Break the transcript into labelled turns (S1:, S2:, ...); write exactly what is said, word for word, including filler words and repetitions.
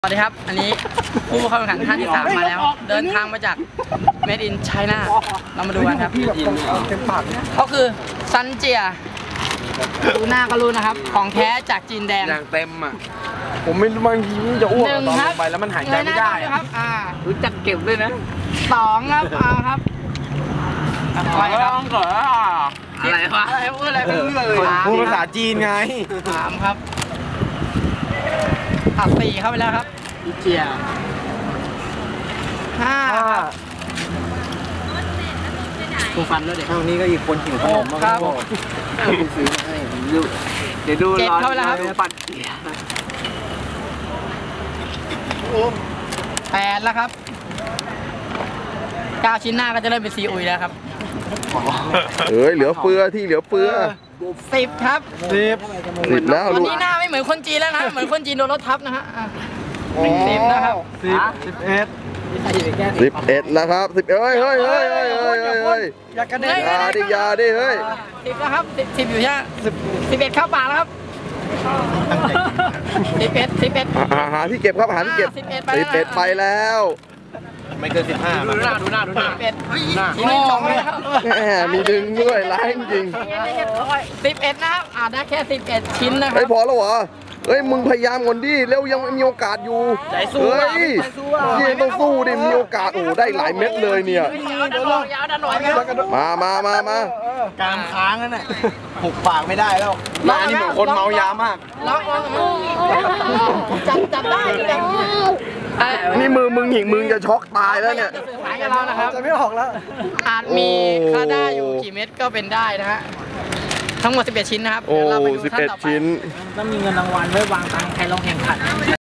S1: สวัสดีครับอันนี้ผู้เข้าแข่งขันท่านที่สามมาแล้วเดินทางมาจาก Made in China เรามาดูกันครับเขาคือซันเจียดูหน้าก็รู้นะครับของแท้จากจีนแดง
S2: อย่างเต็มอ่ะผมไม่บางทีมันจะอ้วกตอนลงไปแล้วมันหายใจไม่ได้
S1: ครับอ่า
S2: รู้จักเก็บด้วยนะ
S1: สองครับอ่าครับอะไรครับ
S2: อะไรวะ
S1: อะไรพูดอะไรพูดเลย
S2: พูดภาษาจีนไง
S1: สามครับอ่ะสี่เข้าไปแล้วครับอีเจียห้าตัวฟันแล้วเด็ก
S2: เท่านี้ก็อีกคนหิวขนมมากครับคุณซื้อมาให้ดูเดี๋ยวดูร้อนแล้วปัดเกียร์
S1: แปดแล้วครับเก้าชิ้นหน้าก็จะเริ่มเป็นซีอุยแล้วครับ
S3: เอ้ยเหลือเฟือที่เหลือเฟือ
S1: สิบครับ
S2: สิบ
S3: สิบแล้ว
S1: วันนี้หน้าไม่เหมือนคนจีนแล้วนะเหมือนคนจีนโดนรถทับนะฮะสิบนะครับ
S2: สิบสิบเอ็ด
S3: สิบเอ็ดแล้วครับสิบเอ้ยเฮ้ยเฮ้ยเฮ้ยเฮ้ยเฮ้ย
S1: อย่ากระเด็น
S3: ยาดิยาดิเฮ้ย
S1: สิบแล้วครับสิบสิบอยู่ใช่สิบสิบเอ็ดเข้าปากแล้วครับสิบเอ็ดสิบเอ็ด
S3: หาที่เก็บครับหาที่เก็บสิบเอ็ดไปแล้ว
S2: ไม่เกินสิบห้าดูหน้าดูหน้าดูหน้า
S1: สิบเอ็ดชิ้นที่สองเลยครับ
S3: แหมมีดึงด้วยร้ายจริง
S1: สิบเอ็ดนะครับอ่าได้แค่สิบเอ็ดชิ้นนะครับ
S3: ไม่พอแล้วเหรอเฮ้ยมึงพยายามก่อนดิเร็วยังมีโอกาสอยู่เฮ้ยยังต้องสู้ดิมีโอกาสโอ้ได้หลายเม็ดเลยเนี่ยมามามามา
S2: การค้างนั่นแหละหุบปากไม่ได้แล้วมาอันนี้เหมือนคนเมายามาก
S1: ล็อกจับจับได้เลย
S3: นี่มือมึงหญิงมึงจะช็อกตายแล้วเนี่ย
S1: หายกับเรานะครับ
S2: จะไม่ออกแล้ว
S1: อาจมีค่าได้อยู่กี่เม็ดก็เป็นได้นะฮะทั้งหมดสิบเอ็ดชิ้นนะครับ
S3: โอ้สิบเอ็ดชิ้น
S1: ต้องมีเงินรางวัลไว้วางตังค์ใครลองแข่งขัน